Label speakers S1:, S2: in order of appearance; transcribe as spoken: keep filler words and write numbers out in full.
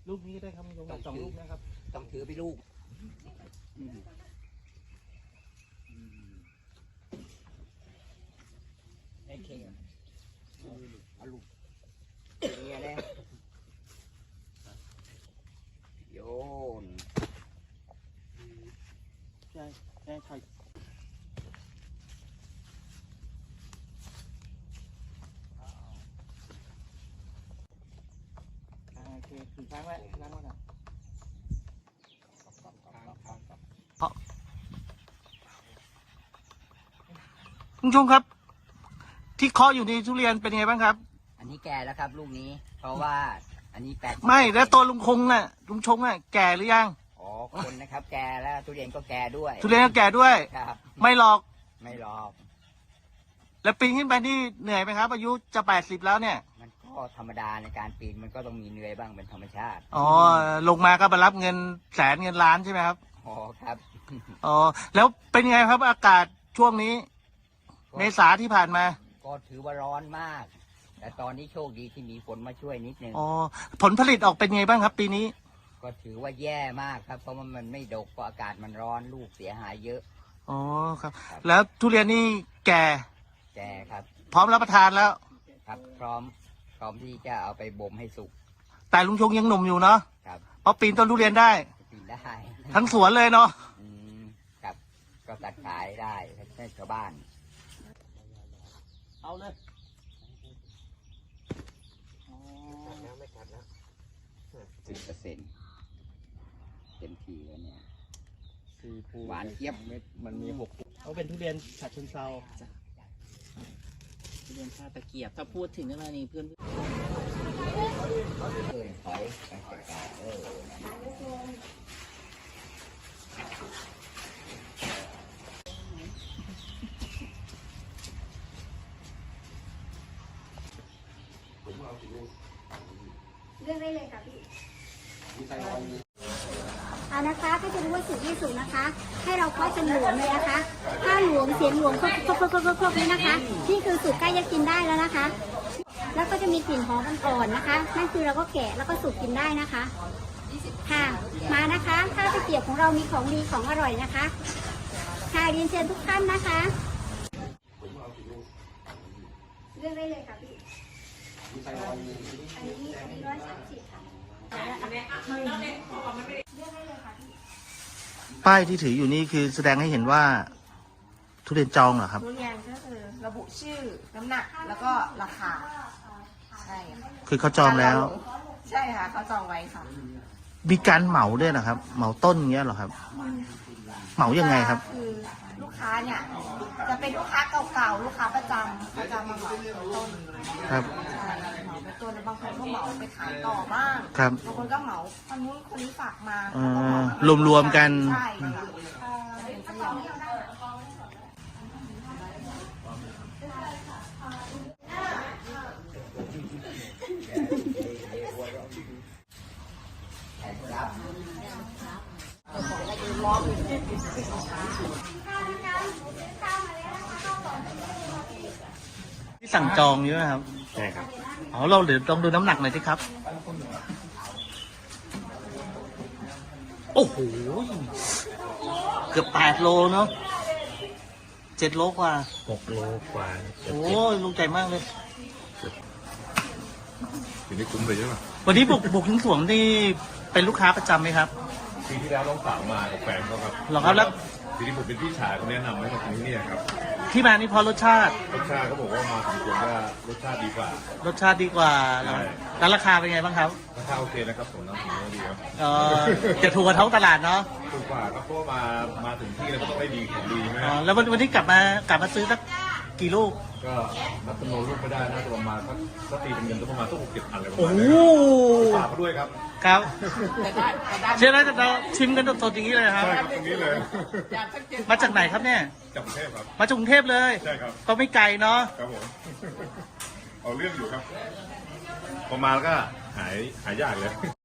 S1: ลูกนี้ก็ได้ครับลงสองลูกนะครับ
S2: ต้องถือไปลูกโอเคเอาลูกนี่เลยโยน
S1: ใช่ใช่ใช่โอเคถึงครั้งแล้วครั้งแล้วนะคุณผู้ชมครับที่เคาะอยู่ในทุเรียนเป็นไงบ้างครับ
S2: อันนี้แก่แล้วครับลูกนี้เพราะว่าอันนี้แปด
S1: ไม่แล้วตัวลุงคงน่ะลุงชงน่ะแก่หรือยัง
S2: อ๋อคนนะครับแก่แล้วทุเรียนก็แก่ด้วย
S1: ทุเรียนก็แก่ด้วย
S2: ครับ
S1: ไม่หรอก
S2: ไม่หรอก
S1: แล้วปีนขึ้นไปนี่เหนื่อยไหมครับอายุจะแปดสิบแล้วเนี่ย
S2: มันก็ธรรมดาในการปีนมันก็ต้องมีเหนื่อยบ้างเป็นธรรมชาติ
S1: อ๋อลงมาก็มารับเงินแสนเงินล้านใช่ไหมครับ
S2: อ๋อครับ
S1: อ๋อแล้วเป็นไงครับอากาศช่วงนี้เมษาที่ผ่านมา
S2: ก็ถือว่าร้อนมากแต่ตอนนี้โชคดีที่มีฝนมาช่วยนิดนึง
S1: อ๋อผลผลิตออกเป็นไงบ้างครับปีนี้
S2: ก็ถือว่าแย่มากครับเพราะว่ามันไม่ดกเพราะอากาศมันร้อนลูกเสียหายเยอะ
S1: อ๋อครับแล้วทุเรียนนี่แก่
S2: แก่ครับ
S1: พร้อมรับประทานแล้ว
S2: ครับพร้อมพร้อมที่จะเอาไปบ่มให้สุก
S1: แต่ลุงชงยังหนุ่มอยู่เนาะ
S2: ครับ
S1: เพราะปีนต้นทุเรียนได้
S2: ปีนได้
S1: ทั้งสวนเลยเนาะ
S2: อืมครับก็ตัดขายได้ให้ชาวบ้าน
S1: เอาเลย
S2: ไม่กัดแล้วสิบเปอร์เซ็นต์เต็มทีแล้วเนี่ยหวานเจี๊ยบ
S1: มันมีหกเขาเป็นทุเรียนฉัดเชิงเซาทุเรียนท่าตะเกียบถ้าพูดถึงอะไรนี่เพื่อน
S2: เออถอยไปจัดการเออ
S3: เลือกได้เลยค่ะพี่เอานะคะถ้าจะรู้ว่าสุกไม่สุกนะคะ ให้เราเคาะจนหลวมเลยนะคะ ถ้าหลวมเสียงหลวมครบครบครบครบครบนี่นะคะนี่คือสุกใกล้จะกินได้แล้วนะคะ แล้วก็จะมีกลิ่นหอมอ่อนๆนะคะนั่นคือเราก็แกะแล้วก็สุกกินได้นะคะค่ะมานะคะข้าวตะเกียบของเรามีของดีของอร่อยนะคะค่ะเรียนเชิญทุกท่านนะคะเลือกได้เลยค่ะพี่อันนี้อันนี้ร้อยสามสิบค่ะ
S1: ป้ายที่ถืออยู่นี่คือแสดงให้เห็นว่าทุเรียนจองเหรอครับ
S4: ทุเรียนก็คือระบุชื่อน้ำหนักแล้วก็ราคาใช่
S1: คือเขาจองแล้ว
S4: ใช่ค่ะเขาจองไว้ค่ะ
S1: มีการเหมาด้วยนะครับเหมาต้นอย่างเงี้ยเหรอครับเหมายังไงครับ
S4: คือลูกค้าเนี่ยจะเป็นลูกค้าเก่าๆลูกค้าประจำเขาจะมาเหมาต้น
S1: ครับ
S4: ใช่เหมาเป็นต้นแล้วบางคนก็เหมาไปขายต่อบ้าง
S1: ครับ
S4: บางคนก็เหมาคนนู้นคนนี้ฝากมาร
S1: วมรวมกัน
S4: ใช่ค่ะเป็นเสี่ยง
S1: ที่สั่งจองเยอะครับ
S5: ใช่ครับ
S1: อ๋อเราเดี๋ยวต้องดูน้ำหนักหน่อยสิครับโอ้โหเกือบแปดโลเนาะเจ็ดโลกว่า
S5: หกโลกว่า
S1: โอ้ลูกใหญ่มากเลย
S5: ทีนี้คุ้มเลยใช่ไหม
S1: วันนี้บุกบุกถึงสวนนี่เป็นลูกค้าประจำไหมครับ
S5: ปีที่แล้วน้องสาวมากับแฟนเขาครับ
S1: หรอครับแล้ว
S5: ทีนี้ผมเป็นพี่ชายเขาแนะนำให้มาที่นี่ครับ
S1: ที่มานี่พอรสชาติ
S5: รสชาติเขาบอกว่ามาถึงควรว่ารสชาติดีกว่าร
S1: สชาติดีกว่าแล้วราคาเป็นไงบ้างครับ
S5: ราคาโอเคนะครับผมน้ำผมดีครับ
S1: อ๋อจะถูกกว่าท้องตลาดเนาะ
S5: ถูกกว่าครับเพราะมามาถึงที่แล้วก็ต้องได้ดีของดีไหม
S1: อ๋อแล้ววันวันนี้กลับมากลับมาซื้อสักกี่ลูก
S5: ก็นับจำนวนลูกไม่ได้นะประมาณสักสักตีเป็นเงินก็ประมาณสักหกเจ็ดพันเลยประ
S1: มาณ
S5: นี้ฝากเขาด้วยครับ
S1: ครับเชื่อไหมเราชิมกันสดๆอย่างนี้เลยครับ
S5: ใช่ครับตรงนี้เลย
S1: มาจากไหนครับเนี่ย
S5: จากกรุงเทพครับ
S1: มาจากกรุงเทพเลย
S5: ใช่ครับ
S1: ก็ไม่ไกลเนาะ
S5: ครับผมเอาเรื่องอยู่ครับพอมาแล้วก็หายหายยากเลย